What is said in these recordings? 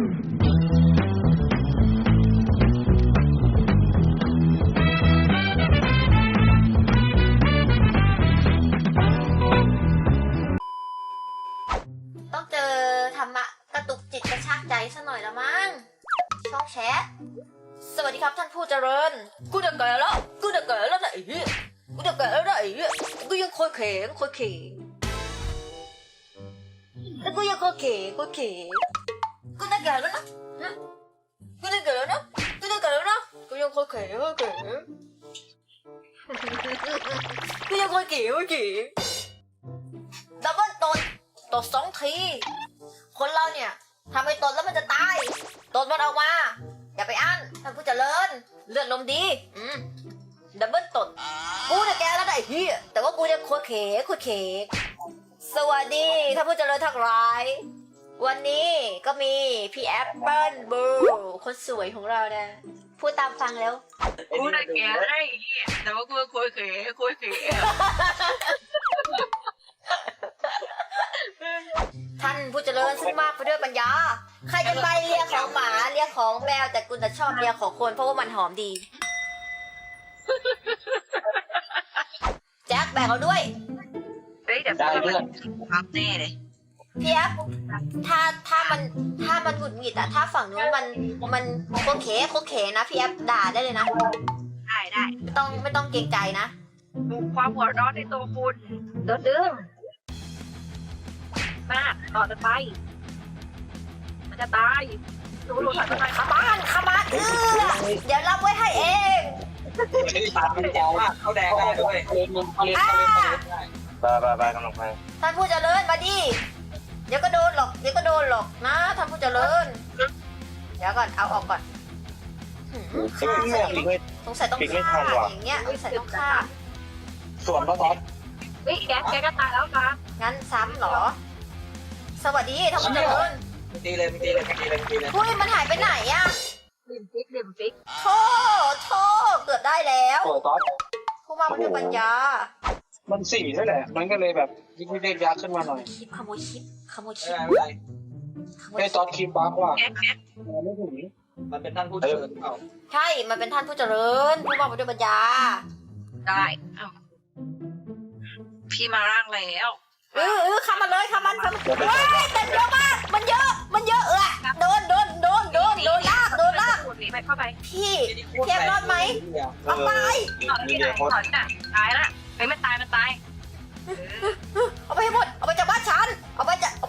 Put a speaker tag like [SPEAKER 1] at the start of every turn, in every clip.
[SPEAKER 1] ต้องเจอธรรมะกระตุกจิตกระชากใจซะหน่อยละมั้งช่องแชทสวัสดีครับท่านผู้เจริญกูจะแก่แล้วนะไอ้เหี้ยกูจะแก่แล้วนะไอ้เหี้ยกูยังคอยเข็งแล้วกูยังคอยเข็งกูจะแก่แล้วนะกูจะแก่แล้วนะกูยังคอยเข็งกูยังคอยเข็งดับเบิ้ลตด2 ทีคนเราเนี่ยทำให้ตดแล้วมันจะตายตดมันออกมาอย่าไปอั้นท่านผู้เจริญเลือดลมดีดับเบิ้ลตดกูเนี่ยแกแล้วได้เฮียแต่ว่ากูเนี่ยโคตรเขสวัสดีท่านผู้เจริญทั้งหลายวันนี้ก็มีพี่แอปเปิ้ลบูคนสวยของเราเนี่ยพูดตามฟังแล้ว
[SPEAKER 2] กูน่ะแกได้แต่ว่ากูคุยเขย
[SPEAKER 1] ท่านผู้เจริญซึ่งมากไปด้วยปัญญาใครจะไปเลียของหมาเลียของแมวแต่กูจะชอบเลียของคนเพราะว่ามันหอมดีแจ็คแบกเอาด้วย
[SPEAKER 2] เฮ้ยเดี๋ยวพูดแล้วมันพับแน่เลย
[SPEAKER 1] พี่แอฟถ้ามันหงุดหงิดอะถ้าฝั่งนู้นมันโคเคนะพี่แอฟด่าได้เลยนะ
[SPEAKER 2] ได้
[SPEAKER 1] ไม่ต้องเกรงใจนะ
[SPEAKER 2] ดูความหัวร้อนในตัวคุณดื้อมากต่อจะไปมันจะตายดูถอยไปหน่อยครับ
[SPEAKER 1] ขมานเดี๋ยวรับไว้ให้เอง
[SPEAKER 3] ตาเป็นแจ๋วมากเขาแดงได้ด้วยไปกำลังไป
[SPEAKER 1] ท่านผู้เจริญมาดิเดี๋ยวก็โดนหรอกนะท่านผู้เจริญเดี๋ยวก่อนเอาออกก่อนสงสัยต้องฆ่าอย่างเงี้ยสงสัยต้องฆ่า
[SPEAKER 3] ส่วนก็ท็อป
[SPEAKER 2] เฮ้ยแกก็ตายแล้วครับ
[SPEAKER 1] งั้นซ้ำเหรอสวัสดีท่านผู้เจริญ
[SPEAKER 3] ตีเลย
[SPEAKER 1] อุ้ยมันหายไปไหนอะ
[SPEAKER 2] ลืมฟิก
[SPEAKER 1] โทษเกือบได้แล้ว
[SPEAKER 3] โอ้ท็อป
[SPEAKER 1] ผู้มาด้วยปัญญา
[SPEAKER 3] มันสี่นั่นแหละมันก็เลยแบบยิ่งเรียกยักษ์ขึ้นมาหน่อย
[SPEAKER 1] ขโมยคลิป
[SPEAKER 3] ไม่เป็นไรให้ท็อปคลิปบ้างว่า
[SPEAKER 2] แก
[SPEAKER 3] ไม่ถึงมันเป็นท่านผู้เจริญเปล่า
[SPEAKER 1] ใช่มันเป็นท่านผู้เจริญผู้มาด้วยปัญญา
[SPEAKER 2] ได้พี่มาร่างแล้ว
[SPEAKER 1] ข้ามมันเลยข้ามมันเฮ้ยเต็มเยอะมากมันเยอะโดนลาก
[SPEAKER 2] หนีไปเข้าไป
[SPEAKER 1] พี่เทียบรอดไหมเอาไป
[SPEAKER 2] ถอนน่ะตายละเฮ้ยมันตาย
[SPEAKER 1] เอาไปให้หมดเอาไปจากบ้านฉันเอาไป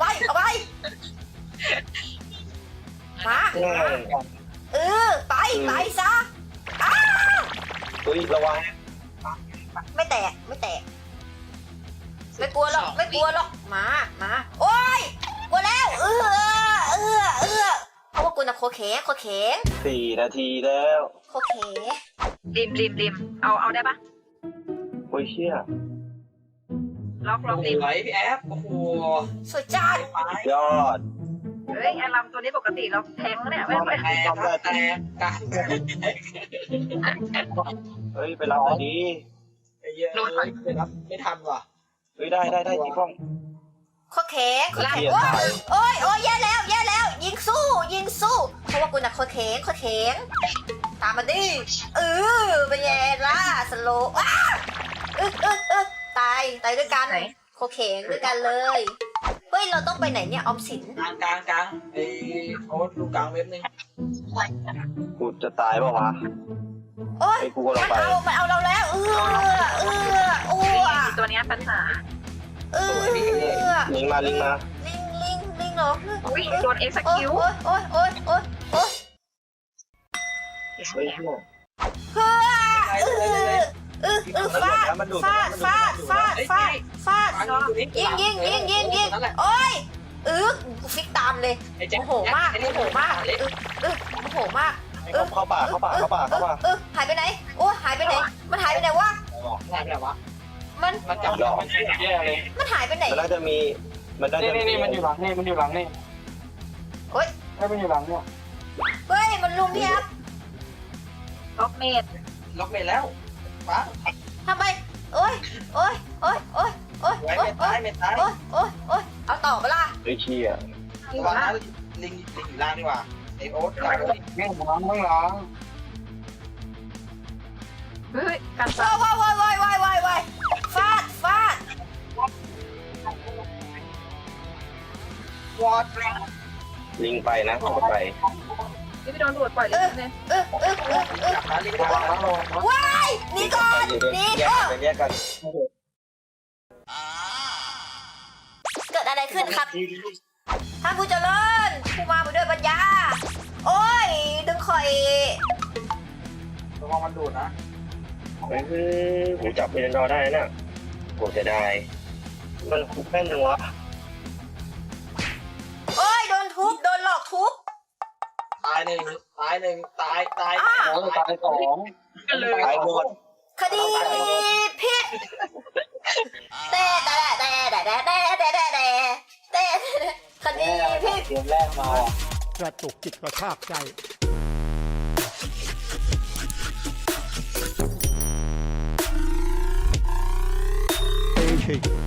[SPEAKER 1] มาไปซะ
[SPEAKER 3] เฮ้ยระวัง
[SPEAKER 1] ไม่แตกไม่กลัวหรอกมาโอ๊ยกลัวแล้วเพราะว่ากูน่ะโคเขง
[SPEAKER 3] 4 นาทีแล้ว
[SPEAKER 1] โคเข
[SPEAKER 2] ริมเอาได้ปะ
[SPEAKER 3] โอ้ยเชี่ย
[SPEAKER 2] ล็อกริม
[SPEAKER 3] ไหวพี่แอฟโอ้โห
[SPEAKER 1] สวยจัด
[SPEAKER 3] ยอด
[SPEAKER 2] เฮ้ยไอ้ลำตัวนี้ปกติเราแทงเนี่ยไม่
[SPEAKER 3] แต่กันเฮ้ยไปรับหน่อยดีไม่ทันว่ะเฮ้ยได้จีกล้อง
[SPEAKER 1] โคเขงโอ๊ยแย่แล้วยิงสู้เพราะว่ากูน่ะโคเขงตามมาดิเป็นไงล่ะสโลตายด้วยกันโคเขงด้วยกันเลยเฮ้ยเราต้องไปไหนเนี่ยออมสิน
[SPEAKER 3] กลางไอ้เขาดูกลางเว็บนึงกูจะตายเปล่าวะ
[SPEAKER 1] โอ๊ยมันเอาเราแล้ว
[SPEAKER 2] ตัวนี้ปัญหา
[SPEAKER 3] ลิงมา
[SPEAKER 1] ลิงเหรอ
[SPEAKER 2] โดนเอ็กซ์คิว
[SPEAKER 1] โอ๊ยฟาดยิงโอ๊ยกูฟิกตามเลยโมโหมาก
[SPEAKER 3] เข้าป่า
[SPEAKER 1] หายไปไหนหายไปไหนมันหายไปไหนวะมัน
[SPEAKER 3] จับดอกแย่เลย
[SPEAKER 1] มันหายไปไหน
[SPEAKER 3] มันน่าจะมีนี่มันอยู่หลังนี่
[SPEAKER 1] เฮ้ย
[SPEAKER 3] มันอยู่หลังเนี่ย
[SPEAKER 1] เฮ้ยมันลุมพี่ครับ
[SPEAKER 2] ล็อกเมด
[SPEAKER 3] แล้วปั๊บ
[SPEAKER 1] ทำไมโอ๊ยเอาต่อเปล่า
[SPEAKER 3] ไอ้เชี่ยลิงอยู่ล่างดีกว่าไอโอ๊ตล่างเลย
[SPEAKER 4] แม่งร้องไม่ร้อง
[SPEAKER 2] เฮ้ยกัน
[SPEAKER 1] ว้ายว้ายว้ายว้ายว้ายว้ายฟาดฟาด
[SPEAKER 3] วอด
[SPEAKER 4] ลิงไปนะเข้าไป
[SPEAKER 2] นี่ไปโดนตรวจปล่อยเลยเนี่ย
[SPEAKER 3] จับนะลิงระวังนะระวังนะ
[SPEAKER 1] ว้ายหนี่ก่อนหนี่ก่อน
[SPEAKER 4] ไปแยกกัน
[SPEAKER 1] เกิดอะไรขึ้นครับท่านผู้เจริญผู้มาด้วยปัญญา โอ้ย ดึงข่อย
[SPEAKER 3] ระวังมันดูดนะ
[SPEAKER 4] ผมจับไปนอนได้นะผมจะได้มันคุกแม่นจังวะ
[SPEAKER 1] โอ้ย โดนทุบ โดนหลอกทุบ
[SPEAKER 3] ตายหนึ่งตายหนึ่งตาย
[SPEAKER 4] ตายสองตายหมด
[SPEAKER 1] คดีพิษแต่คดีพิษ
[SPEAKER 4] เกมแรกมาก
[SPEAKER 5] ระตุกจิตกระชากใจเอชิ